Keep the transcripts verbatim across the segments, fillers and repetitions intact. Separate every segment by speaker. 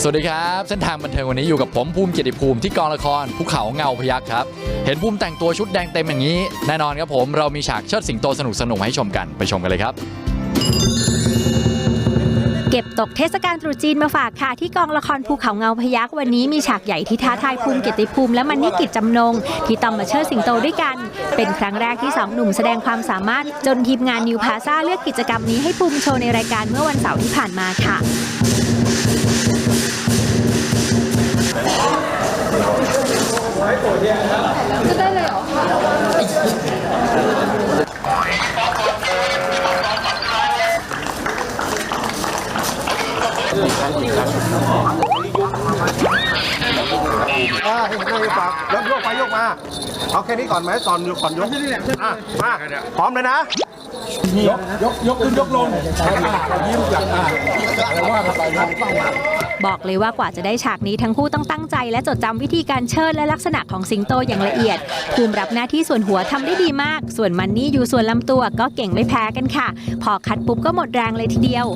Speaker 1: สวัสดีครับเส้นทางบันเทิงวันนี้อยู่กับผมภูมิเกียรติภูมิที่กองละครภูเขาเงาพยัคฆ์ครับเห็นภูมิแต่งตัวชุดแดงเต็มอย่างนี้แน่นอนครับผมเรามีฉากเชิดสิงโตสนุกสนุกให้ชมกันไปชมกันเลยครับ
Speaker 2: เก็บตกเทศกาลตรุษจีนมาฝากค่ะที่กองละครภูเขาเงาพยัคฆ์วันนี้มีฉากใหญ่ที่ท้าทายภูมิเกียรติภูมิและมันนี่กิจจำนงที่ต้องมาเชิดสิงโตด้วยกันเป็นครั้งแรกที่สองหนุ่มแสดงความสามารถจนทีมงานนิวพาซ่าเลือกกิจกรรมนี้ให้ภูมิโชว์ในรายการเมื่อวันเสาร์ที่ผ่านมาค่ะ
Speaker 3: จะได้เลยเหรอ
Speaker 4: อ่าให้ผมให้ฝากแล้วโยกไปโยกมาเอาแค่นี้ก่อนไหมตอนยกก่อนยกอ่ะมาพร้อมเลยนะยกยกยกขึ้นยกลงยิ้มจากอ่าอะไรว่ากันไปครับ
Speaker 2: บอกเลยว่ากว่าจะได้ฉากนี้ทั้งคู่ต้องตั้งใจและจดจำวิธีการเชิดและลักษณะของสิงโตอย่างละเอียดภูมิรับหน้าที่ส่วนหัวทำได้ดีมากส่วนมันนี่อยู่ส่วนลำตัวก็เก่งไม่แพ้กันค่ะพอคัดปุ๊บก็หมดแรงเลยทีเดียว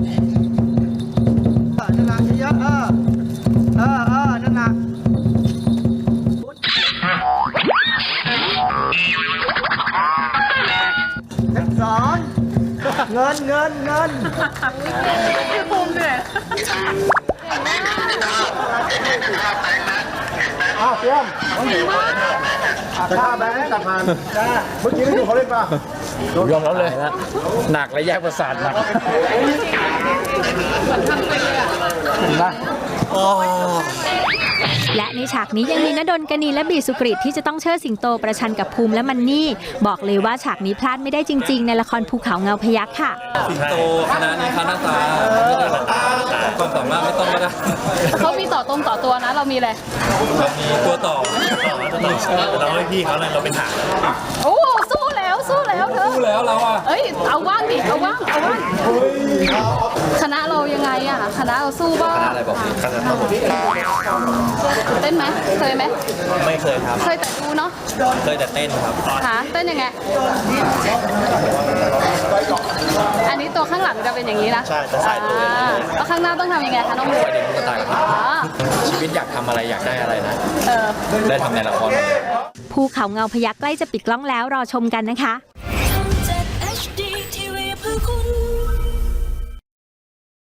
Speaker 4: นั่นแหละเยอะเออเออเออนั่นแหละสอนเงินเงินเงิน
Speaker 3: คือภูมิเนี่ย
Speaker 4: อ้าวเตรียมจะฆ่าแบงค์ตัดผ่านเมื่อกี้ไม่ดูเขาเล่นป่ะ
Speaker 1: ยอมรับเลยหนักและแยกประสาทหนัก
Speaker 2: และในฉากนี้ยังมีณดลกนีและบีสุกริตที่จะต้องเชิดสิงโตประชันกับภูมิและมันนี่บอกเลยว่าฉากนี้พลาดไม่ได้จริงๆในละครภูเขาเงาพยัคฆ์ค่ะ
Speaker 5: สิงโตคณะนี้คณะตาความสามารถไม่ต้องก็ได้
Speaker 3: เขามีต่อตรงต่อตัวนะเรามีอะไร
Speaker 5: มีตัวต่อเราให้พี่เขาเลยเราเป็นหาง
Speaker 3: โอ้สู้แล้วสู้แล้วเธอ
Speaker 5: สู้แล้วเราอ่ะ
Speaker 3: เอ้ยเอาว่างดิเอาว่างเอาว่างคณะเรายังไงอ่ะคณะเราสู้บ้าง
Speaker 5: คณะอะไรบอกคณะเรา
Speaker 3: เต้นไหมเคยไหม
Speaker 5: ไม่เคยครับ
Speaker 3: เคยแต่ดูเนาะ
Speaker 5: เคยแต่เต้นครับ
Speaker 3: ค่ะเต้นยังไงอันนี้ตัวข้างหลังจะเป็นอย่างนี้นะ
Speaker 5: ใช่จะใส่ตัว
Speaker 3: แล้วข้างหน้าต้องทำยังไงคะน้องมู
Speaker 5: เด็กก็ตายครับชีวิตอยากทำอะไรอยากได้อะไรนะได้ทำในละคร
Speaker 2: ภูเขาเงาพยัคฆ์ใกล้จะปิดกล้องแล้วรอชมกันนะคะ